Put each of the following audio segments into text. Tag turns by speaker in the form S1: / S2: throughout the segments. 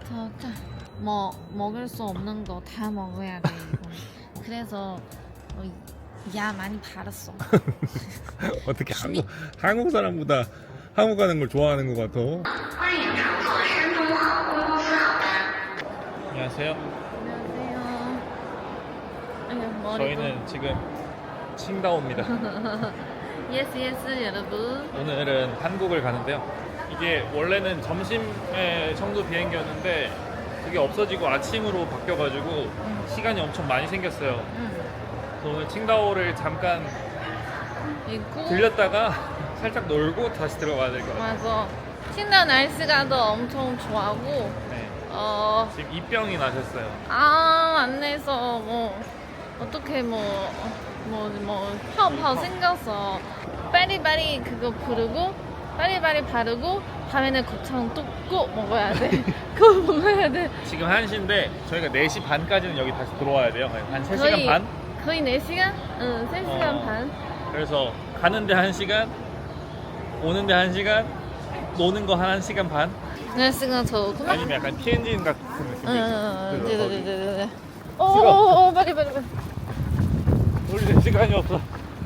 S1: 어떡해. 뭐 먹을 수 없는 거 다 먹어야 돼 이거. 그래서 야 많이 바랐어.
S2: 어떻게 한국 사람보다 한국 가는 걸 좋아하는 것 같아. 안녕하세요.
S1: 안녕하세요. 아유, 머리도.
S2: 저희는 지금 칭다오입니다.
S1: 예스 예스 여러분.
S2: 오늘은 한국을 가는데요. 이게 원래는 점심에 청도 비행기였는데 그게 없어지고 아침으로 바뀌어가지고 시간이 엄청 많이 생겼어요. 그래서 오늘 칭다오를 잠깐
S1: 있고.
S2: 들렸다가 살짝 놀고 다시 들어가야 될 것 같아요.
S1: 맞아. 칭다오 날씨가 더 엄청 좋아하고.
S2: 네. 지금 입병이 나셨어요.
S1: 안내서 뭐 어떻게泡생겼어. 빨리빨리 그거 부르고 빨리빨리 바르고 밤에는 곱창 또 꼭 먹어야 돼. 그거 먹어야 돼.
S2: 지금 1시인데 저희가 4시 반까지는 여기 다시 들어와야 돼요. 한 3시간 반?
S1: 거의 4시간? 응, 3시간 반.
S2: 그래서 가는데 1시간, 오는데 1시간, 노는 거 1시간 반?
S1: 날씨가 좋구나.
S2: 아니면 약간 PNG 같은 느낌도
S1: 응,
S2: 있어요.
S1: 네네네네. 오, 빨리.
S2: 우리 시간이 없어.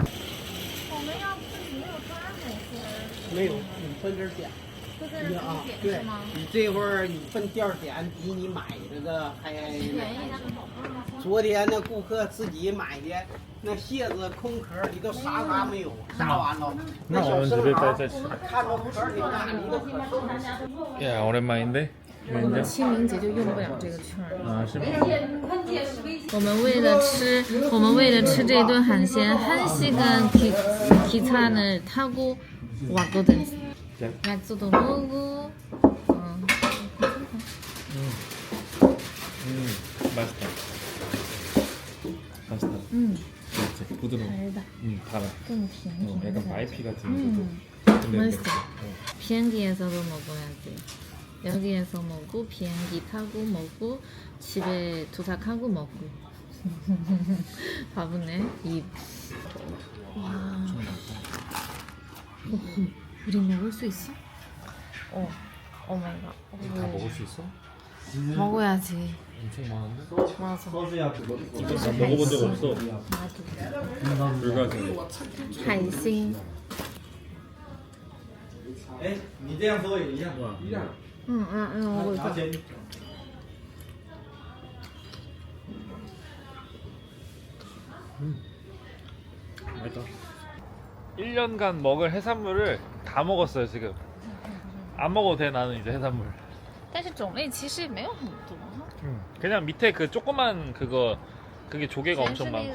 S3: 没有，你分这儿点。啊，对，你这会儿你分店儿点比你买的还昨天那顾客自己买的那蟹子空壳里头啥没有，杀完了。
S2: 那我们直接再吃。
S3: 看着壳里哪里都可收。
S2: 야, 오랜만인데?
S1: 我们清明节就用不了这个券儿。
S2: 아,是吗?
S1: 我们为了吃这顿海鲜 1시간 기차를 타고 왔거든. 약수도 먹고.
S2: 맛있다. 맛있다. 그렇지, 부드러워.
S1: 달다.
S2: 달아.
S1: 좀 비행기.
S2: 약간 마이피 같은 근데
S1: 맛있어. 비행기에서도 먹어야지. 여기에서 먹고 비행기 타고 먹고 집에 도착하고 먹고. 바보네 입. 와. 우리 먹을 수 있어? 오마이갓.
S2: 다 먹을 수 있어?
S1: 먹어야지.
S2: 엄청 많은데?
S1: 맞아.
S2: 나 먹어본 적 없어.
S1: 나도.
S2: 불가능.
S1: 海星.
S3: 哎，你这样做也一样，一样。
S1: 먹고 있어.
S2: 맛있다. 1년간 먹을 해산물을 다 먹었어요 지금. 안 먹어도 돼 나는 이제 해산물.
S1: 但是种类其实也没有很多.
S2: 그냥 밑에 그 조그만 그게 조개가 엄청 많고.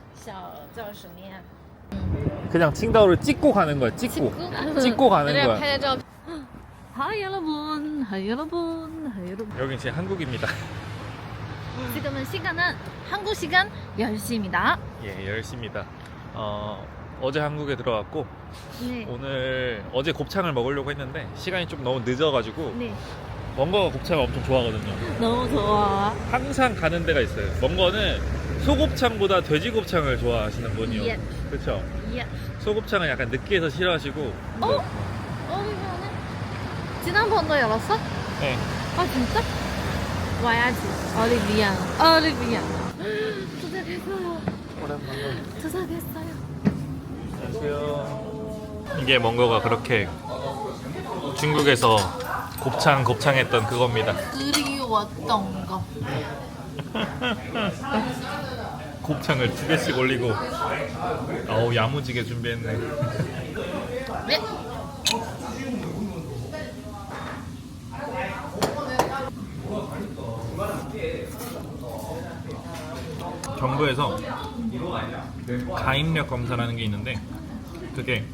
S2: 그냥 칭다오를 찍고 가는 거야. 찍고 가는 거야.
S1: 拍照片. 하이 여러분, 하이 여러분, 하이 여러분.
S2: 여긴 제 한국입니다.
S1: 지금은 시간은 한국 시간 10시입니다.
S2: 예, 10시입니다. 어제 한국에 들어왔고
S1: 네.
S2: 오늘 어제 곱창을 먹으려고 했는데 시간이 좀 너무 늦어가지고
S1: 네.
S2: 멍거가 곱창을 엄청 좋아하거든요.
S1: 너무 좋아.
S2: 항상 가는 데가 있어요. 멍거는 소곱창보다 돼지곱창을 좋아하시는 분이요.
S1: 예.
S2: 그렇죠?
S1: 예.
S2: 소곱창은 약간 느끼해서 싫어하시고.
S1: 이거는 지난번도 열었어?
S2: 네.
S1: 진짜? 와야지. 올리비아. 도착했어요.
S2: 오랜만에.
S1: 도착했어요.
S2: 안녕하세요. 이게 멍거가 그렇게 중국에서 곱창했던 그겁니다.
S1: 그리웠던 거.
S2: 곱창을 2개씩 올리고 아우 야무지게 준비했네.
S1: 네.
S2: 정부에서 가입력 검사라는 게 있는데 그게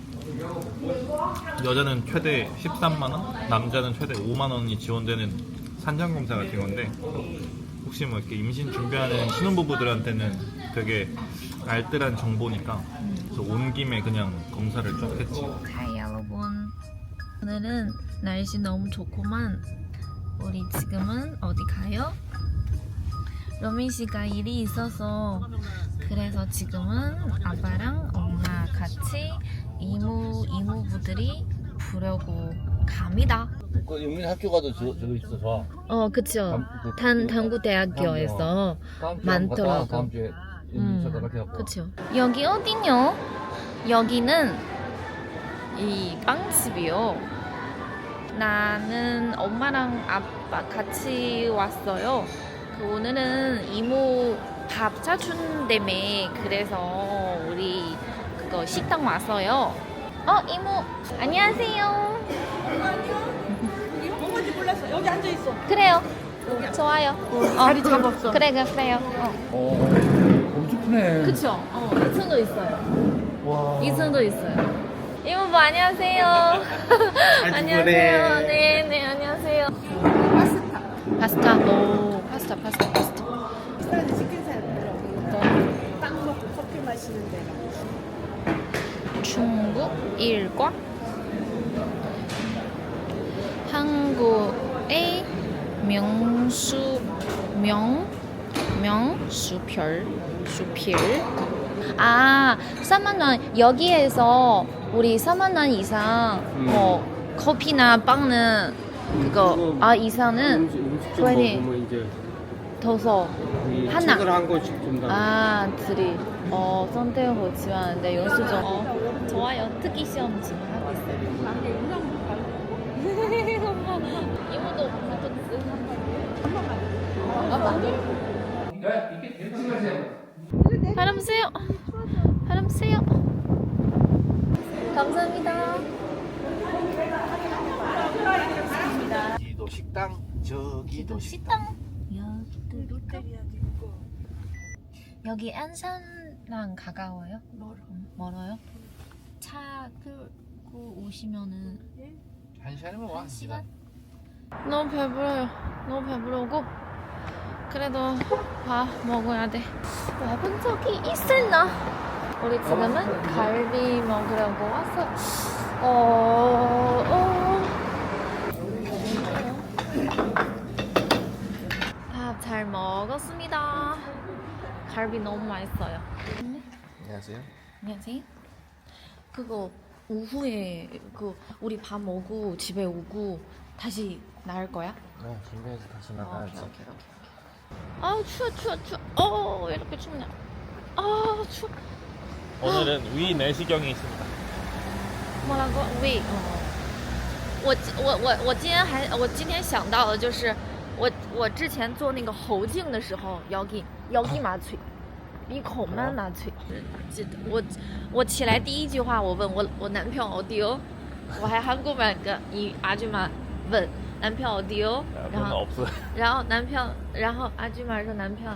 S2: 여자는 최대 13만원, 남자는 최대 5만원이 지원되는 산전검사 같은 건데 혹시 뭐 이렇게 임신 준비하는 신혼부부들한테는 되게 알뜰한 정보니까 그래서 온 김에 그냥 검사를 쭉 했지.
S1: 하이 여러분. 오늘은 날씨 너무 좋구만. 우리 지금은 어디 가요? 로민 씨가 일이 있어서 그래서 지금은 아빠랑 엄마 같이 이모부들이 부려고 갑니다.
S4: 그 영민 학교 가도 저거 있어 좋아.
S1: 그쵸.
S4: 그
S1: 당구대학교에서
S4: 다음 주에
S1: 많더라고.
S4: 한번 갔다가 다음 주에 연락해 갖고.
S1: 그쵸. 여기 어디냐? 여기는 이 빵집이요. 나는 엄마랑 아빠 같이 왔어요. 오늘은 이모 밥 사준다며. 그래서 우리 그거 식당 왔어요. 이모 안녕하세요.
S5: 뭔지 몰랐어. 여기 앉아 있어.
S1: 그래요. 좋아요.
S5: 자리 잡았어.
S1: 그래요.
S4: 엄청 크네.
S1: 그쵸? 2층도 있어요.
S4: 와.
S1: 2층도 있어요. 이모부 안녕하세요. 안녕하세요. 네, 안녕하세요. 파스타. 오, 파스타.
S5: 식사는 시킨 사람들 빵 먹고 커피 마시는 데가.
S1: 중국 일과 한국의 수필 3만 원. 여기에서 우리 3만 원 이상 커피나 빵은 그거 이상은 괜히
S3: 보면 이제
S1: 더서 하나.
S3: 책을 한 권씩 준다.
S1: 드리. 선택하고 지원하는데 영수증. 좋아요. 특기 시험 지금 하고 있어요. 이모도 프로토스. 바람 쐬요. 감사합니다.
S4: 여기도 식당, 저기도
S1: 식당. 여기 안산랑 가까워요? 멀어요? 차 끌고 오시면은
S4: 한 시간이면 와.
S1: 1시간? 너무 배부르고 그래도 밥 먹어야 돼. 와본 적이 있을나? 우리 지금은 갈비 먹으려고 왔어. 밥 잘 먹었습니다. 갈비 너무 맛있어요.
S4: 안녕하세요.
S1: 안녕하세요. 그거 오후에 우리 밥 먹고 집에 오고 다시 나올 거야?
S4: 네, 준비해서 다시
S1: 추워. 왜 이렇게 춥냐? 추워.
S2: 오늘은 위 내시경이 있습니다.
S1: 뭐라고? 위. 我今天想到的就是我之前做那个喉镜的时候 여기麻醉 鼻孔蛮麻醉 我起来第一句话我问我男朋友 어디요? 我还한국말 이 아줌마 问 남편 어디요?然后 아줌마 说 남편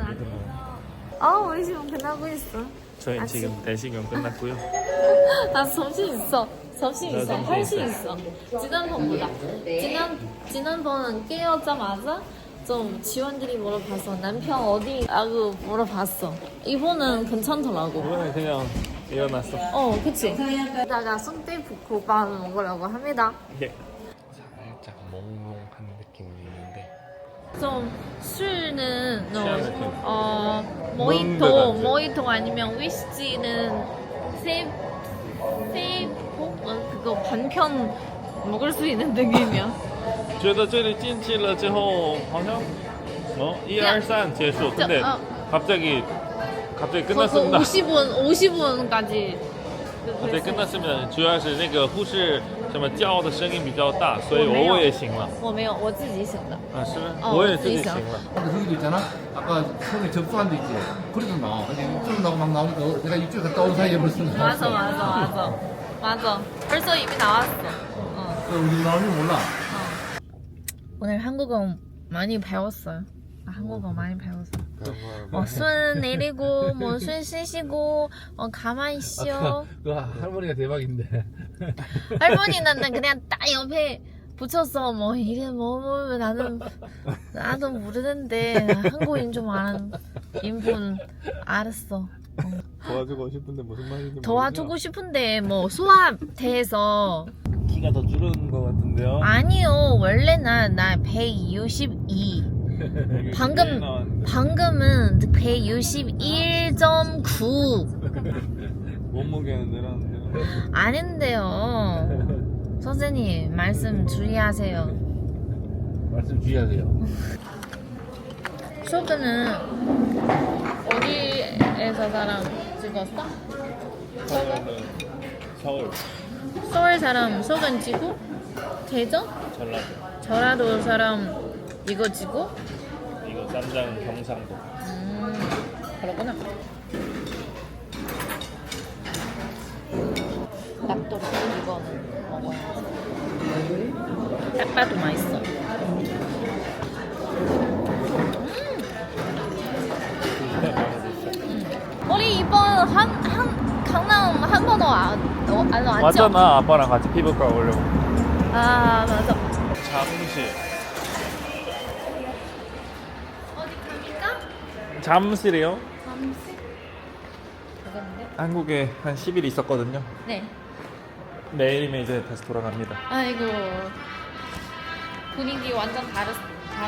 S1: 왜 지금 끝나고 있어?
S2: 저희 지금 내시경 끝났고요.
S1: 나 정신 있어. 할 수 있어. 지난번보다. 지난번은 깨어자마자 좀 지원들이 물어봐서 남편 어디라고 물어봤어. 이번은 괜찮더라고.
S2: 이번에 그냥 일어났어.
S1: 그치. 이따가 순대국밥 먹으려고 합니다.
S2: 예. 살짝 몽롱한 느낌이 있는데.
S1: 좀 술은
S2: 취한 느낌.
S1: 모히토 아니면 위스키는 그거 반편 먹을 수 있는 느낌이야.
S2: 觉得这里进去了之后好像1, 2, 3 结束. 근데 갑자기 끝났습니다.
S1: 50분까지.
S2: 갑자기 끝났으면 主要是那个护士什么叫的声音比较大，所以我也醒了。
S1: 我没有，我自己醒的。
S2: 是吗？我也自己醒了。
S4: 근데 거기도 있잖아. 아까 처음에 접수한 데 있지. 그래도 나와. 근데 이쪽으로 나고 막 나오니까 내가 이쪽에 갔다 온 사이에 벌써 나왔어.
S1: 맞아. 벌써 이미 나왔어.
S4: 우리 나오는 몰라.
S1: 오늘 한국어 많이 배웠어요. 한국어 많이 배웠어. 손 내리고, 손 쉬시고, 가만히 쉬어.
S4: 그 할머니가 대박인데.
S1: 할머니는 그냥 딱 옆에 붙였어. 이름 나도 모르는데 한국인 좀 아는 인분 알았어.
S2: 도와주고 싶은데 무슨 말인지
S1: 도와주고 싶은데 소화돼서
S2: 키가 더 줄은 것 같은데요?
S1: 아니요. 원래 나 162. 방금은 161.9.
S2: 몸무게는 늘었는데요.
S1: 아닌데요. 선생님 말씀 주의하세요.
S4: 말씀 주의하세요.
S1: 쇼그는 어디에서 사람 찍었어?
S2: 서울
S1: 서울 사람 쇼근 찍고 대전? 전라도 사람 이거 찍고?
S2: 이거 쌈장 경상도.
S1: 그렇구나. 납도 이거는 먹어야지. 딱 봐도 맛있어. 우리 이번 강남 한 번도 안 왔죠?
S2: 맞잖아. 아빠랑 같이 피부과 오려고.
S1: 아 맞아.
S2: 잠실.
S1: 어디 갑니까?
S2: 잠실이요?
S1: 잠시. 그건데?
S2: 한국에 한 10일 있었거든요.
S1: 네.
S2: 내일이면 이제 다시 돌아갑니다.
S1: 아이고 분위기 완전 다르셨어.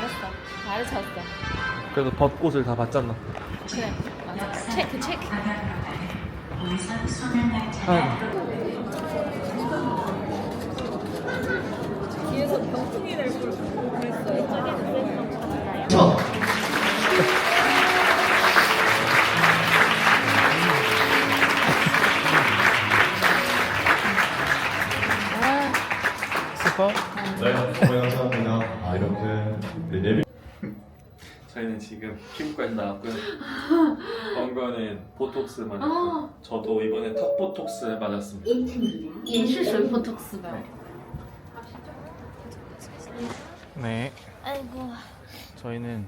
S2: 그래도 벚꽃을 다 봤잖아.
S1: 그래 맞아. 체크. 뒤에서 병풍이 날 그랬어요. 저기는
S2: 스퍼?
S6: 네, 감사합니다. 아, 이렇게 레벨
S2: 저희는 지금 피부과에서 나왔고요. 번거는 보톡스 맞았고 저도 이번에 턱 보톡스 맞았습니다.
S1: 也是水보톡스吧.
S2: 네,
S1: 아이고.
S2: 저희는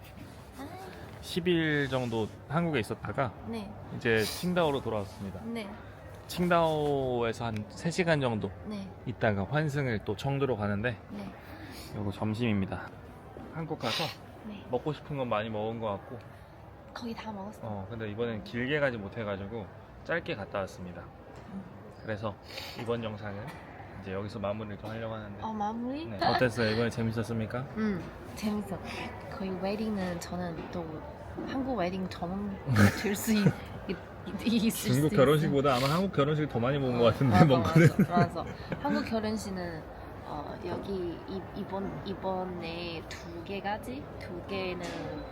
S2: 10일 정도 한국에 있었다가
S1: 네.
S2: 이제 칭다오로 돌아왔습니다.
S1: 네.
S2: 칭다오에서 한 3시간 정도
S1: 네.
S2: 있다가 환승을 또 청두로 가는데
S1: 네.
S2: 이거 점심입니다. 한국 가서
S1: 네.
S2: 먹고 싶은 건 많이 먹은 것 같고
S1: 거의 다 먹었어.
S2: 근데 이번엔 길게 가지 못해가지고 짧게 갔다 왔습니다. 그래서 이번 영상은 이제 여기서 마무리를 좀 하려고 하는데
S1: 마무리?
S2: 네, 어땠어요? 이번에 재밌었습니까?
S1: 재밌어. 거의 웨딩은 저는 또 한국 웨딩 전문 될 수 있을 수
S2: 중국
S1: 있어.
S2: 결혼식보다 아마 한국 결혼식 더 많이 먹은 것 같은데
S1: 맞아,
S2: 먹거든.
S1: 맞아. 한국 결혼식은 여기 이번에 두 개는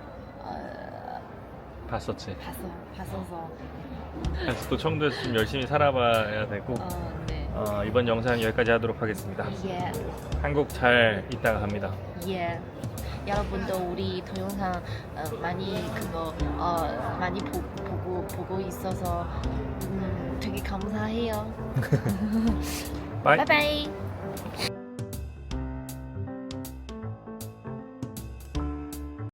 S2: 봤었지.
S1: 봤어서
S2: 그래서 또 청도에서 좀 열심히 살아봐야 되고
S1: 네.
S2: 이번 영상 여기까지 하도록 하겠습니다.
S1: 예.
S2: 한국 잘 있다가 갑니다.
S1: 예. 여러분도 우리 동영상 많이 보고 있어서 되게 감사해요.
S2: 바이.
S1: 바이바이.